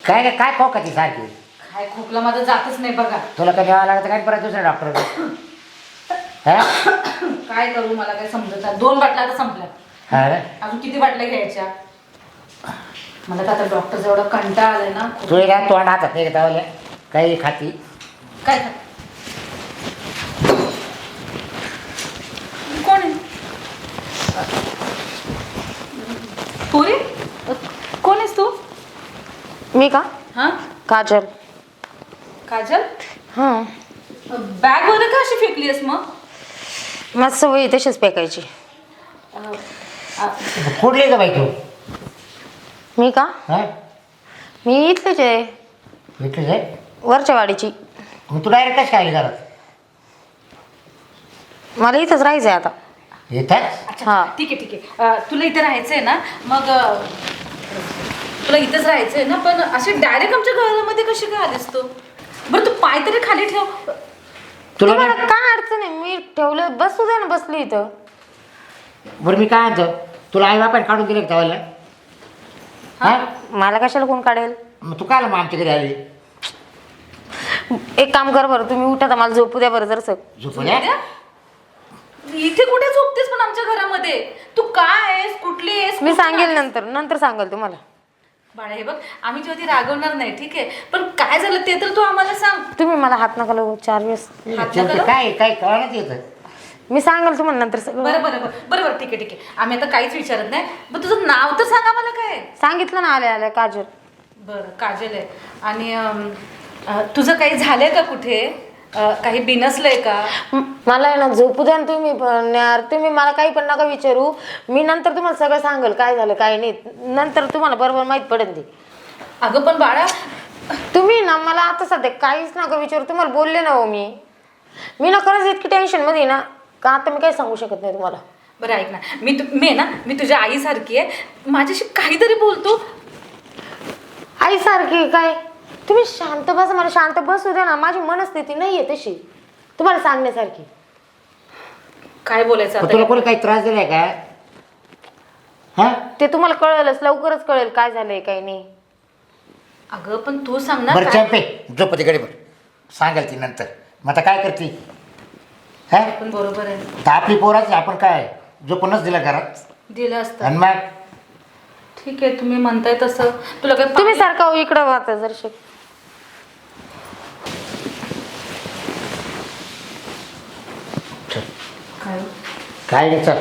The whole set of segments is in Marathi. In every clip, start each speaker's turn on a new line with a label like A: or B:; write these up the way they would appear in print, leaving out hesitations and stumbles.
A: काय काय काय खोका ती सारखी
B: काय खोकला माझं जातच नाही बघा.
A: तुला काय न्यावं लागतं काय परत दुसऱ्या डॉक्टर हा
B: काय करू मला काय समजत नाही. 2 बाटल्या आता संपल्या.
A: हा रे?
B: अजून किती बाटल्या घ्यायच्या? मला तर आता डॉक्टरचा एवढा कंटाळा आलाय ना.
A: तू या तोंड हातात नाही घेता काही खाती
B: काय कोण आहे? पोरी कोण आहेस तू?
C: मी का?
B: हा
C: काजल.
B: काजल,
C: हां.
B: बॅग मध्ये का अशी फेकलीस मग?
C: माझं सवय तशीच फेकायची.
A: कुठली का बाई तू
C: मी का?
A: हा
C: मी इथलेच आहे,
A: भेटलीच आहे
C: वरच्या वाडीची.
A: मग तू डायरेक्ट कशी काय घरात
C: मला इथंच राहायचं आहे आता.
A: येतात
B: अच्छा
C: हा.
B: ठीक आहे ठीक आहे. तुला इथे राहायचंय ना मग तुला इथंच राहायचंय ना पण असे डायरेक्ट आमच्या घरामध्ये कशी काय आलीस तू? बरं तू पाय तरी खाली ठेव.
A: तुला
C: तुम्हाला
A: काय-
C: काय अडचण आहे? मी ठेवलं, बसू दे ना, बसली इथं.
A: बरं मी काय म्हणतो तुला आई बापाने काढून दिले का धावायला हा
C: मला कशाला कोण काढेल?
A: मग तू काय मग आमच्या घरी आली
C: एक काम कर बरं, तुम्ही उठा तर मला झोपू द्या बरं जरसं.
A: झोपल्या
B: इथे कुठे झोपतेस पण आमच्या घरामध्ये? तू काय आहेस, कुठली आहेस?
C: मी
B: कुठून
C: सांगेल
B: आलीस?
C: नंतर सांगेल तुम्हाला.
B: बाळा हे बघ आम्ही तुला ती रागवणार नाही ठीक आहे पण काय झालं ते तर तू आम्हाला सांग.
C: तुम्ही मला हात नका लावू 4 वेळेस.
B: हात
A: शेवटी
B: नका
A: काय काय कळण्यात येतं
C: मी सांगेल तुम्हाला नंतर सगळं.
B: बरं बरं बरं बरं बरं ठीक आहे आम्ही आता काहीच विचारत नाही. पण तुझं नाव तर सांगा मला काय?
C: सांगितलं ना, आल्या आल्या काजल.
B: बरं काजल आहे. आणि तुझं काही झालंय का कुठे? काही बिनसलंय का?
C: मला आहे ना झोपू द्या ना तुम्ही. पण यार तुम्ही मला काही पण नका विचारू. मी नंतर तुम्हाला सगळं सांगेल काय झालं काय नाही. नंतर तुम्हाला बरोबर माहीत पडेल ते.
B: अगं पण बाळा
C: तुम्ही ना मला आता सध्या काहीच नका विचारू. तुम्हाला बोलले ना हो मी ना खरंच इतकी टेन्शनमध्ये ना का आता मी काही सांगू शकत नाही तुम्हाला.
B: बरं ऐक ना मी तुझ्या आईसारखी आहे. माझ्याशी काहीतरी बोलतो.
C: आईसारखी काय? तुम्ही शांत बसा, मला शांत बसू द्या ना. माझी मनस्थिती नाही आहे तशी तुम्हाला सांगण्यासारखी.
B: काय बोलायचं
A: मग तुला
B: आता?
A: कोणी काही त्रास दिलाय का हा
C: ते तुम्हाला कळेलच, लवकरच कळेल काय झालंय काय नाही.
B: अगं पण तू सांग ना
A: बरं
B: काय-
A: चंपे झोपती कडे बरं सांगाल ती नंतर. मग आता काय करते हा
B: पण बरोबर आहे
A: तर आपली पोराची आपण काय झोपूनच दिलं घरात
B: दिलं असतं.
A: आणि मग
B: ठीक आहे तुम्ही म्हणताय तसं. तुला काय
C: तुम्ही सारखा हो इकडं वाचा जर
B: काय
A: काय नाही चल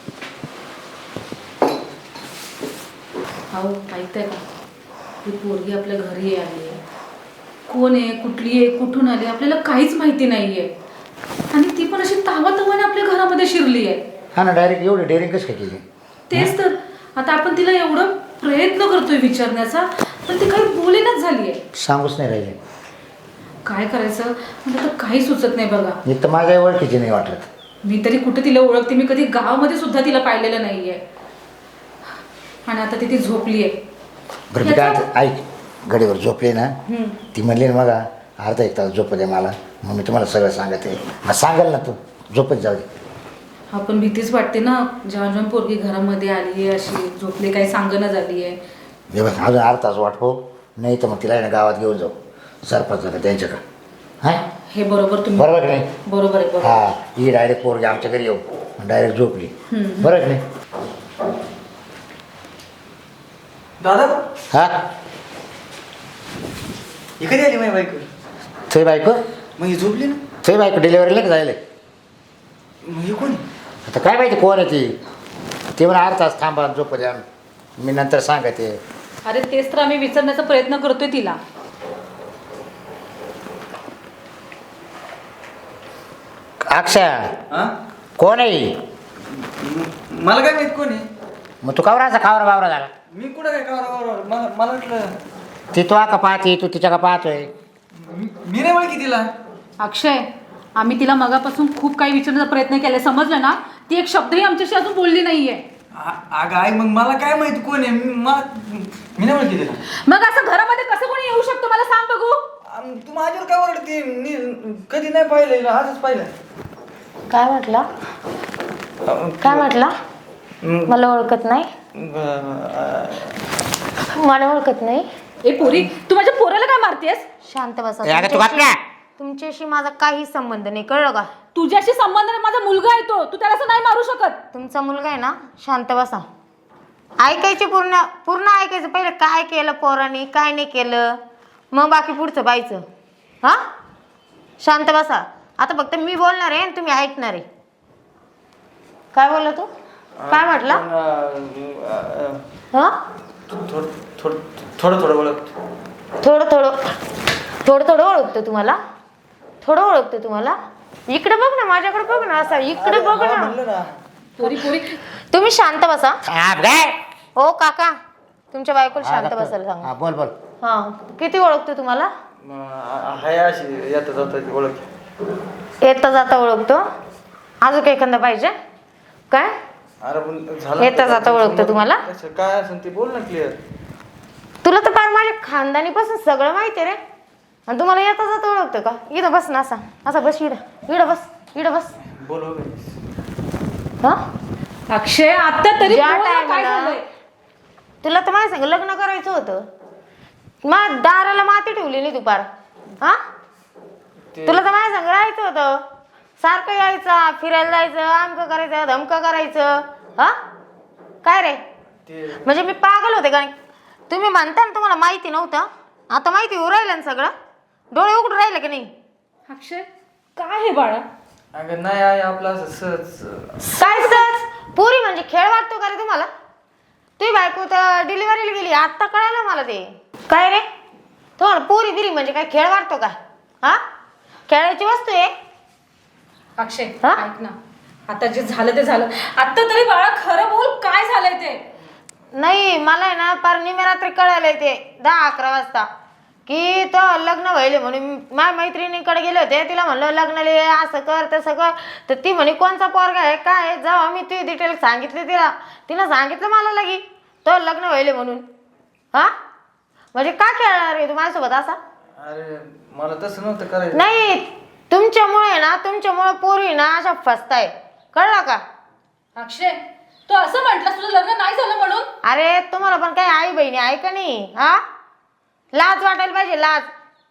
B: हो ऐकताय का? ही पोरगी आपल्या घरी आली आहे. कोण आहे, कुठली आहे, कुठून आली आपल्याला काहीच माहिती नाहीये. आणि ती पण अशी तावातावाने आपल्या घरामध्ये शिरली आहे.
A: हा ना डायरेक्ट एवढी डेअरिंग कशी काय केली
B: तेच तर आता आपण तिला एवढं प्रयत्न करतोय विचारण्याचा पण ती काही बोलेनाच झाली आहे.
A: सांगूच नाही राहिले.
B: काय करायचं मला तर काही सुचत नाही बघा.
A: मी तर माझ्या ओळखीची नाही वाटत.
B: मी तरी कुठे तिला ओळखते? मी कधी गावामध्ये सुद्धा तिला पाहिलेलं नाहीये. आणि आता ती झोपली आहे.
A: बरं मी काय म्हणतो, ऐक गडीवर झोपली ना ती म्हणली ना मग अर्धा 1 तास झोप दे मला. मग मी तुम्हाला सगळं सांगते. मग सांगाल ना तू झोपत जाऊ दे.
B: हा पण भीतीच वाटते ना जेव्हा जेव्हा पोरगी घरामध्ये आली आहे अशी झोपली काही सांगणं झाली आहे.
A: हे बघ अजून अर्धा तास वाट हो नाही तर मग तिला आहे ना गावात घेऊन जाऊ सरपंचाला त्यांच्याकडं हां
B: हे बरोबर तुम्ही
A: बरोबर की नाही.
B: बरोबर आहे बरोबर.
A: हा ही डायरेक्ट पोरगी आमच्या घरी येऊ डायरेक्ट झोपली बरं की नाही.
D: दादा
A: हा
D: हे कधी आली माझी बायको?
A: थोडी बायको
D: मग ही झोपली ना.
A: थोडी बायको डिलिव्हरीला का जायला.
D: मग हे कोण आहे?
A: आता काय माहिती कोण आहे ती. ते म्हणा अर्धा तास थांबा झोप द्या मी नंतर सांगते.
B: अरे तेच तर आम्ही विचारण्याचा प्रयत्न करतोय तिला.
A: अक्षय
D: हा
A: कोण आहे.
D: मला काय माहित कोण आहे?
A: मग तू कावराचा खावरा बावरा झाला.
D: मी कुठं काय कावर मला वाटलं
A: ती तो का पाहते तू तिच्या का पाहतोय.
D: मी नाही ओळखी तिला.
B: अक्षय आम्ही तिला मगापासून खूप काही विचारण्याचा प्रयत्न केलाय समजलं ना. ती एक शब्दही आमच्याशी अजून बोलली नाहीये.
D: अगं आई मग मला काय माहित कोण आहे? मी नाही ओळखी तिला.
B: मग असं घरामध्ये कसं कोणी येऊ शकतो मला सांग बघू.
D: तू माझ्यावर काय ओरडते? मी कधी नाही पाहिलं आजच पाहिलं.
C: काय म्हटला? काय म्हटला? मला ओळखत नाही. मला ओळखत नाही.
B: ए पोरी तू माझ्या पोराला काय मारतेस?
C: शांत बसा.
A: ए, अगं तू गप ना.
C: तुमच्याशी माझा काही संबंध नाही, कळलं का?
B: तुझ्याशी संबंध नाही, माझा मुलगा आहे तो, तू त्याला असं नाही मारू शकत.
C: तुमचा मुलगा आहे ना, शांत बसा. ऐकायचे पूर्ण पूर्ण ऐकायचं. पहिले काय केलं पोराने, काय नाही केलं, मग बाकी पुढचं पाहायचं. हा, शांत बसा. आता फक्त मी बोलणार आहे आणि तुम्ही ऐकणार आहे. काय बोलला तू? काय म्हटला? हा,
D: थोडं थोडं ओळख.
C: थोडं थोडं ओळखतो तुम्हाला? थोडं ओळखतो तुम्हाला? इकडे बघ ना, माझ्याकडे बघ ना, असा इकडे बघ ना.
D: म्हणलं ना.
B: पोरी पोरी
C: तुम्ही शांत बसा.
A: थांब रे.
C: हो काका, तुमच्या बायकोला शांत
A: हा,
C: बसायला सांगा.
A: हा, बोल बोल.
C: हा, किती ओळखतो तुम्हाला?
D: हाय अशी येता जाता ओळख.
C: येता जाता ओळखतो. अजून काही एखादा पाहिजे काय?
D: अरे पण झालं
C: येता जाता ओळखतो तुम्हाला?
D: कसं काय असेल ते बोल ना क्लिअर.
C: तुला तर फार माझ्या खानदानीपासून सगळं माहिती रे, आणि तुम्हाला येता जाता ओळखतो का? इथं बस ना, असा बस. इडं बस.
D: बोल हो बाई.
C: हा,
B: अक्षय आता तरी
C: ज्या
B: बोल ना, काय
C: टायमाला
B: झालंय?
C: तुला तर माझ्या संग लग्न करायचं होतं, मग दाराला माती ठेवली नाही दुपार. हा, तुला तर माझ्या संग राहायचं होतं, सारखं यायचं, फिरायला जायचं, आमकं करायचं, धमकं करायचं. हा, काय रे,
D: ते
C: म्हणजे मी पागल होते का? तुम्ही म्हणता ना तुम्हाला माहिती नव्हतं, आता माहिती होऊ राहिलं ना सगळं? डोळे उघडून राहिले की नाही?
B: अक्षय काय हे बाळा?
D: अगं नाही आहे आपलं असं सहज.
C: काय सहज? पुरी म्हणजे खेळ वाटतो का रे तुम्हाला? तुझी बायको तर डिलिव्हरीला गेली, आत्ता कळालं मला ते. काय रे, तुम्हाला पुरी बिरी म्हणजे काय खेळ वाटतो का? हा, खेळायची वस्तू आहे.
B: अक्षय
C: हा?
B: ऐक ना, आता जे झालं ते झालं. आता तरी बाळा खरं बोल, काय झालंय ते?
C: नाही, मला आहे ना पार निम्या कळालंय ते 10-11 वाजता की तो लग्न व्हायले म्हणून. माझ्या मैत्रिणीकडे गेले होते, तिला म्हणलं लग्नाला ये, असं कर तसं कर. तर ती म्हणे कोणचा पोरगा आहे काय आहे? जेव्हा मी ती डिटेल सांगितली तिनं सांगितलं मला लगी तो लग्न व्हायले म्हणून. हा, म्हणजे का खेळणार आहे तू माझ्यासोबत असा?
D: अरे मला तसं नव्हतं करायचं.
C: नाही, तुमच्यामुळे पोरी ना अशा फसताय, कळलं का?
B: अक्षय तू असं म्हटलं तुझं लग्न नाही झालं म्हणून?
C: अरे तुम्हाला पण काही आई बहिणी आहे का नाही? हा, लाज वाटायला पाहिजे, लाज.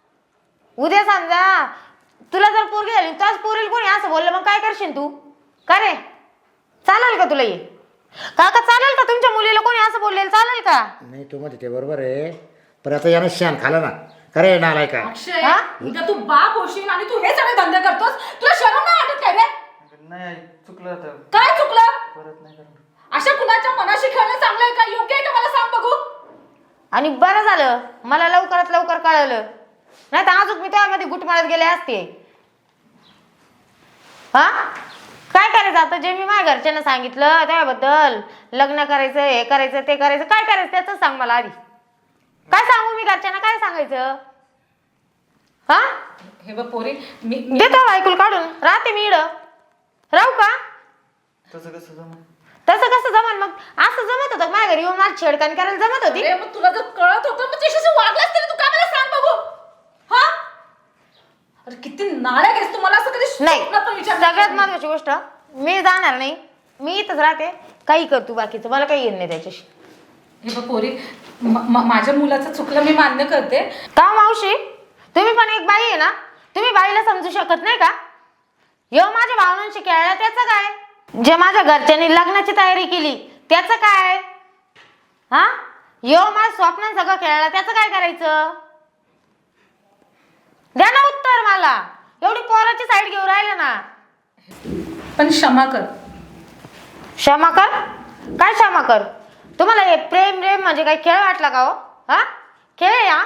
C: उद्या समजा तुला जर पोरगी झाली, त्याच पोरीला कोणी असं बोललं, मग काय करशील तू? का रे, चालेल का तुला हे? काका चालेल का तुमच्या मुलीला कोणी असं बोललेलं चालेल का?
A: नाही तू म्हणते ते बरोबर आहे, पण आता यानं शान खाला ना. खरे नालाय का?
B: अक्षय
C: हा?
B: उद्या तू बाप होशील आणि तू हे सगळे धंदे करतोस, तुला शरम नाही वाटत काय रे?
D: नाही चुकलं तर
B: काय चुकलं?
D: परत नाही करणार.
B: अशा कुणाच्या मनाशी खेळणं चांगलं आहे का? योग्य आहे का? मला सांग बघू.
C: आणि बरं झालं मला लवकरात लवकर कळलं, नाही तर अजून मी त्यामध्ये गुट मारत गेले असते. हा, काय करायचं आता? जे मी माझ्या घरच्यांना सांगितलं त्याबद्दल, लग्न करायचं, हे करायचं, ते करायचं, काय करायचं त्याच सांग मला आधी. काय सांगू मी घरच्यांना, काय सांगायचं? हा,
B: हे बघ पोरी, मी
C: देतो ऐकून काढून, राहते मी इडं, राहू का?
D: तसं कसं जमलं?
C: तसं कसं जमन? मग असं जमत होतं माझ्या घरी येऊन माझी छेडखानी करायला जमत होती?
B: अरे मग तुला जर कळत होतं मग त्याच्याशी वागलास तरी तू काय मला सांग बघू. हा, अरे किती नालायक आहेस तू. मला असं कधी
C: नाही,
B: स्वप्नात पण विचार
C: सगळ्यात महत्वाची गोष्ट, मी जाणार नाही, मी इथंच राहते, काही कर तू बाकीचं, मला काही येत नाही त्याच्याशी.
B: हे बघ पोरी, माझ्या मुलाचं चुकलं मी मान्य करते.
C: का मावशी, तुम्ही पण एक बाई आहे ना, तुम्ही बाईला समजू शकत नाही का? यो माझ्या भावनांशी खेळला त्याचं काय? जे माझ्या घरच्यांनी लग्नाची तयारी केली त्याचं काय? हा, यो माझ्या स्वप्नात सगळं खेळला त्याचं काय करायचं? द्या ना उत्तर मला. एवढी पोराची साईड घेऊन राहिले ना.
B: पण क्षमा कर.
C: क्षमा कर? काय क्षमा कर? तुम्हाला हे प्रेम म्हणजे काही खेळ वाटला का हो? हा, खेळ या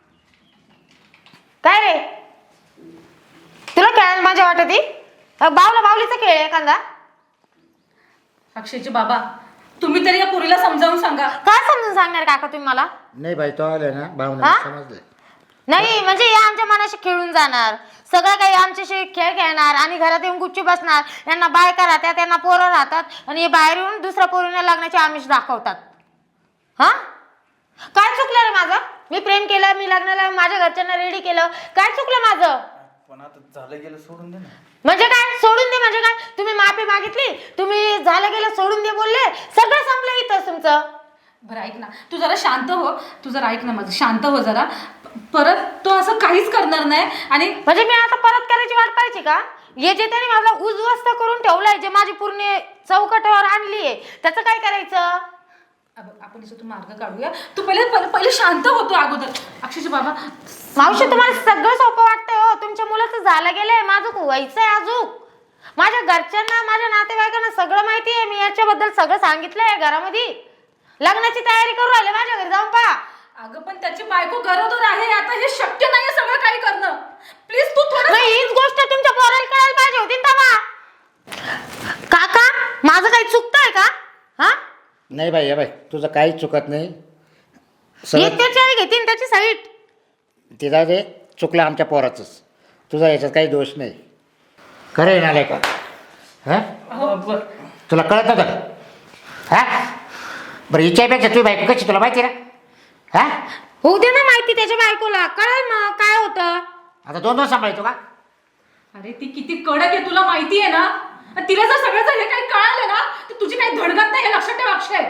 C: काय रे? तुला खेळायला मजा वाटती? बावला बावलीचा खेळ आहे एखादा?
B: अक्षयचे बाबा, तुम्ही तरी या पोरीला समजावून सांगा.
C: काय समजून सांगणार काका तुम्ही मला?
A: नाही बाई, तो आले ना भावना
C: हा?
A: समजलं.
C: नाही म्हणजे या आमच्या मनाशी खेळून जाणार, सगळं काही आमच्याशी खेळ खेळणार आणि घरात येऊन गुच्ची बसणार. यांना बायका राहतात, त्यांना पोरं राहतात, आणि हे बाहेर येऊन दुसऱ्या पोरीने लग्नाचे आमिष दाखवतात. हा, काय चुकलं रे माझं? मी प्रेम केलं, मी लग्नाला माझ्या घरच्यांना रेडी केलं, काय चुकलं माझं?
D: पण आता झालं गेलं सोडून दे ना.
C: म्हणजे काय सोडून दे म्हणजे काय? तुम्ही माफी मागितली, तुम्ही झालं गेलं सोडून दे बोलले, सगळं संपलं इथं तुमचं.
B: बरं ऐक ना, तू जरा शांत हो. तू जरा ऐक ना माझं, शांत हो जरा. परत तो असं काहीच करणार नाही. आणि
C: म्हणजे मी आता परत करायची वाट पाहिजे का? हे जे त्याने मला उद्ध्वस्त करून ठेवलंय, जे माझी पूर्ण चौकटावर आणली आहे, त्याचं काय करायचं?
B: आपण तू मार्ग काढूया. तू पहिले शांत होतो अगोदर. अक्षरशः बाबा.
C: मावशी तुम्हाला सगळं सोपं वाटतंय हो. तुमच्या मुलाचं झालं गेलंय, माझं व्हायचंय अजून. माझ्या घरच्यांना, माझ्या नातेवाईकांना सगळं माहिती आहे. मी याच्याबद्दल सगळं सांगितलंय घरामध्ये. लग्नाची तयारी करू राहिले, माझ्या घरी जाऊन पहा.
B: अगं पण त्याची बायको गरोदर आहे. आता हे शक्य नाहीये सगळं काही करणं. प्लीज तू थोडं.
C: हीच गोष्ट तुमच्या पोराला कळायला पाहिजे होती ना तेव्हा. काका माझं काही चुकतंय का? हा
A: नाही बाई, बाई तुझं काहीच चुकत नाही.
C: त्याची आई घेतीन त्याची साईट.
A: ते जाऊ दे, चुकलं आमच्या पोराचंच. तुझा याच्यात काही दोष नाही. खरं आहे नालाय का? हां तुला कळत नव्हतं हां? बरं हिच्यापेक्षा तुझी बायको कशी तुला माहिती ना? हां
C: होऊ दे ना माहिती त्याच्या बायकोला, कळेल मग काय होतं.
A: आता दोन सांभाळतो का?
B: अरे ती किती कडक आहे तुला माहिती आहे ना. आणि तिला जर सगळं हे काही कळालं ना तर तुझी काही धडगत नाही हे लक्षात ठेव अक्षय.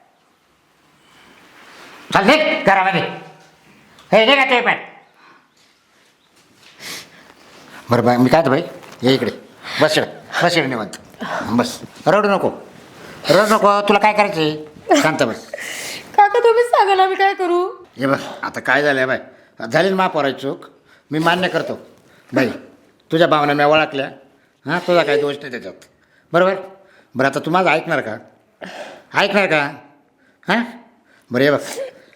A: चाल निघ घरामध्ये. हे नाही का ते पण. बरं बाई मी काय बाई ये इकडे बस बस इकडे निवांत बस. रडू नको रडू नको. तुला काय करायचं शांत बस.
C: काका तुम्हीच सांगा ना मी काय करू.
A: हे बघ आता काय झालं बाई, झाली ना महापौराची चूक. मी मान्य करतो बाई, तुझ्या भावना मी ओळखल्या. हां तुझा काही दोष नाही त्याच्यात, बरोबर. बरं आता तू माझं ऐकणार का? ऐकणार का? हां बरं हे बघ,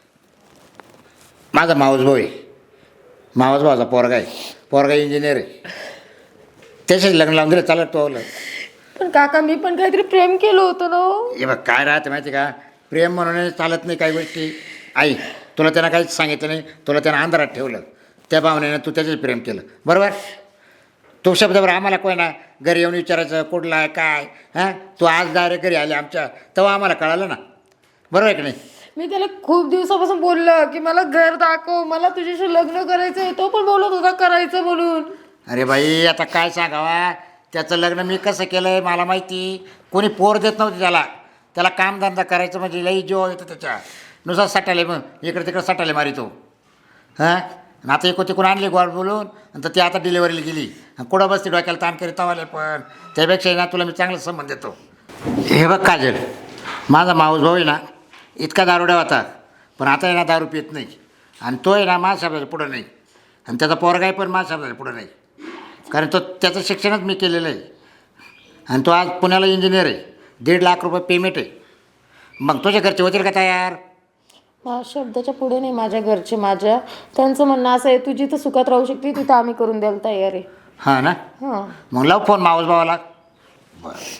A: माझा मावस भाऊ आहे. मावस भावाचा पोरगा आहे. पोरगा इंजिनियर आहे. त्याच्याच लग्न लावून दिलं चालत तो.
C: पण काका मी पण काहीतरी प्रेम केलं होतं ना.
A: हे बघ काय राहतं माहिती का, प्रेम म्हणून चालत नाही काही गोष्टी. आई तुला त्यांना काहीच सांगितलं नाही, तुला त्यानं अंधारात ठेवलं. त्या भावनेनं तू त्याच्याच प्रेम केलं, बरोबर. तो शब्दावर आम्हाला कोण ना घरी येऊन विचारायचं कुठला आहे काय. हां तू आज डायरेक्ट घरी आले आमच्या, तेव्हा आम्हाला कळालं ना, बरोबर आहे की नाही.
C: मी त्याला खूप दिवसापासून बोललं की मला घर दाखव, मला तुझ्याशी लग्न करायचंय. तो पण बोलत होता करायचं म्हणून.
A: अरे बाई आता काय सांगावा, त्याचं लग्न मी कसं केलं आहे मला माहिती. कोणी पोर देत नव्हती त्याला. त्याला कामधंदा करायचं म्हणजे लई जीव येतं त्याच्या. नुसार सटाले मग इकडे तिकडे सटाले मारितो. हां आता एक तिकडून आणली गोड बोलून, नंतर ती आता डिलिव्हरीला गेली. कुठं बसते डोक्याला ताण करीत तवाले. पण त्यापेक्षा ना तुला मी चांगला संबंध देतो. हे बघ काजल, माझा माऊस भाऊ आहे ना इतका दारुड्या होता, पण आता आहे ना दारू पित नाही. आणि तो आहे ना माझ्या शब्दाच्या पुढं नाही. आणि त्याचा पोरगाही पण माझ्या शब्दाच्या पुढं नाही. कारण तो त्याचं शिक्षणच मी केलेलं आहे. आणि तो आज पुण्याला इंजिनियर आहे. 1.5 लाख रुपये पेमेंट आहे. मग तुझ्या घरचे होतील का तयार?
C: माझ्या शब्दाच्या पुढे नाही माझ्या घरचे. माझ्या त्यांचं म्हणणं असं आहे, तू जिथं सुखात राहू शकते तिथं आम्ही करून द्यायला तयार आहे.
A: हां ना,
C: हां
A: मग लाव फोन मावस भावाला. बरं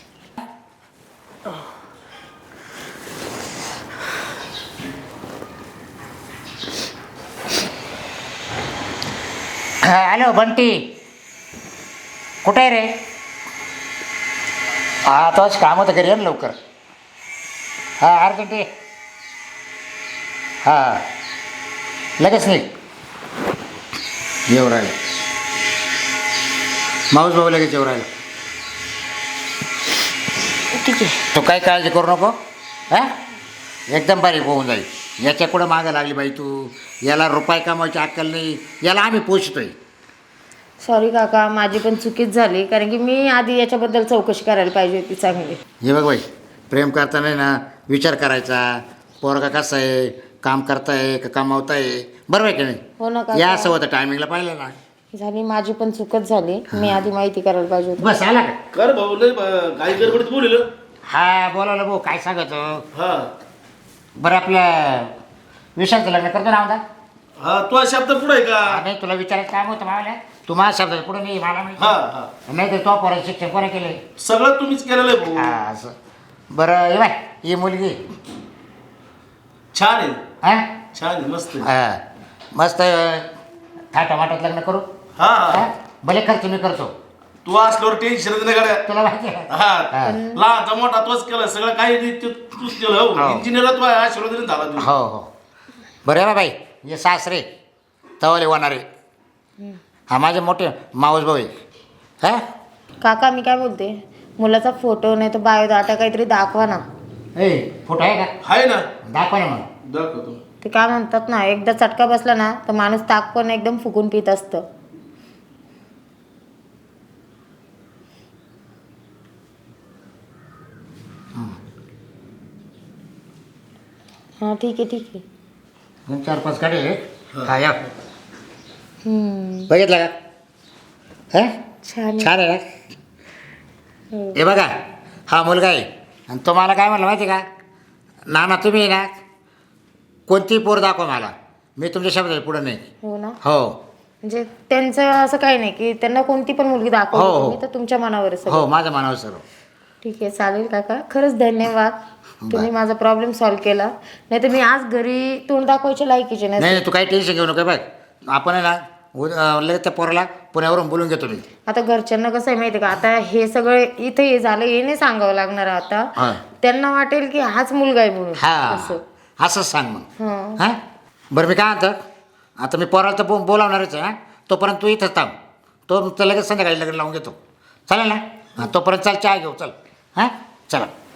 A: हॅलो बंटी, कुठे आहे रे? हा तोच काम होतं घरी, ये ना लवकर. हां अर्जंट आहे. हां लगेच नाही येऊ राहिलं. माऊस भाऊ लगेच येऊ राहिलं.
C: ठीक आहे.
A: तो काही काळजी करू नको. हां एकदम बारीक होऊन जाईल. याच्या कुठं मागं लागली बाई तू. याला रुपये कमावायची अक्कल नाही. याला आम्ही पोषतोय.
C: सॉरी काका, माझी पण चुकीच झाली. कारण की मी आधी याच्याबद्दल चौकशी करायला पाहिजे होती चांगली.
A: हे बघ बाई, प्रेम करताना ना विचार करायचा. पोरगा कसा आहे, काम करताय का कमावताय, बरोबर आहे की
C: हो ना
A: नाही.
C: काका.
A: या असं होतं टायमिंगला पाहिलं ना.
C: झाली माझी पण चुकच झाली. मी आधी माहिती करायला पाहिजे होती.
A: बस आला का?
E: कर भाऊ लय काही गडबडीत बोलिल.
A: हा बोलावलं भाऊ, काय सांगतो.
E: हा
A: बरं आपलं विशालचं लग्न करतो ना आमदा.
E: हा तो शब्द पुढे आहे का?
A: नाही तुला विचारायचं काम होतं मला. तू माझ्या शब्दात पुढे नाही मला
E: हा
A: माहिती.
E: हा
A: नाही तर तो पोराचं शिक्षण कोणी केले.
E: सगळं तुम्हीच केलेलं आहे भाऊ.
A: हा असं. बरं हे बाय, ही मुलगी
E: छान आहे,
A: हां
E: छान आहे, मस्त आहे.
A: हां मस्त थाटामाटात लग्न करू.
E: हा
A: हां
E: हा
A: भले खर्च मी करतो.
E: तू असल्यावर टेन्शन नाही गाड्या.
A: तुला माहिती आहे.
E: हा
A: हा.
E: लहानचा मोठा तोच केलं सगळं काही नाही, तूच केलं.
A: हो.
E: हो इंजिनियर तू आशीर्वाद झाला तू.
A: हो हो बरं आहे बाई. हे सासरे तवाले होणारे. हा माझे मोठे मावस भाऊ आहे. हां
C: काका मी काय बोलते, मुलाचा फोटो नाही तर बायोडाटा काहीतरी दाखवा ना.
A: फोटो आहे का
E: आहे ना
A: दाखवा ना मग
E: दाखवतो.
C: ते काय म्हणतात ना, एकदा चटका बसला ना तर माणूस ताक पण एकदम फुकून पित असतं. हा ठीक आहे ठीक आहे.
A: 4-5 काढले हा या
C: हम्म,
A: बघितलं का हा
C: छान आहे.
A: छान आहे ना हे बघा हा मुलगा आहे आणि तो मला काय म्हणला माहिती आहे का नाना तुम्ही ना कोणतीही पोर दाखवा मला मी तुमच्या शब्दाला पुढं नाही
C: हो ना,
A: हो
C: म्हणजे त्यांचं असं काही नाही की त्यांना कोणती पण मुलगी
A: हो,
C: दाखवली
A: हो.
C: तुम्ही, तर तुमच्या मनावर आहे सगळं.
A: हो माझ्या मनावर सर्व
C: ठीक आहे चालेल काका, खरंच धन्यवाद. तुम्ही माझा प्रॉब्लेम सॉल्व्ह केला. नाही तर मी आज घरी तोंड दाखवायच्या लायकीचे
A: नाही
C: नाही.
A: नाही तू काही टेन्शन घेऊ नका बघ आपण आहे ना लगेच त्या पोराला पुण्यावरून बोलून घेतो मी
C: आता घरच्यांना कसं आहे माहिती आहे का, आता हे सगळं इथे हे झालं हे नाही सांगावं लागणार आता.
A: हा.
C: त्यांना वाटेल की हाच मुलगा आहे म्हणून
A: हा
C: असं.
A: असंच सांग मग
C: हं.
A: हां बरं मी काय म्हणतो आता मी पोराला तर बोलावणारच आहे हां तोपर्यंत तू इथंच थांब तो लगेच संध्याकाळी लग्न लावून घेतो चालेल ना हां तोपर्यंत चल चहा घेऊ चल हां चला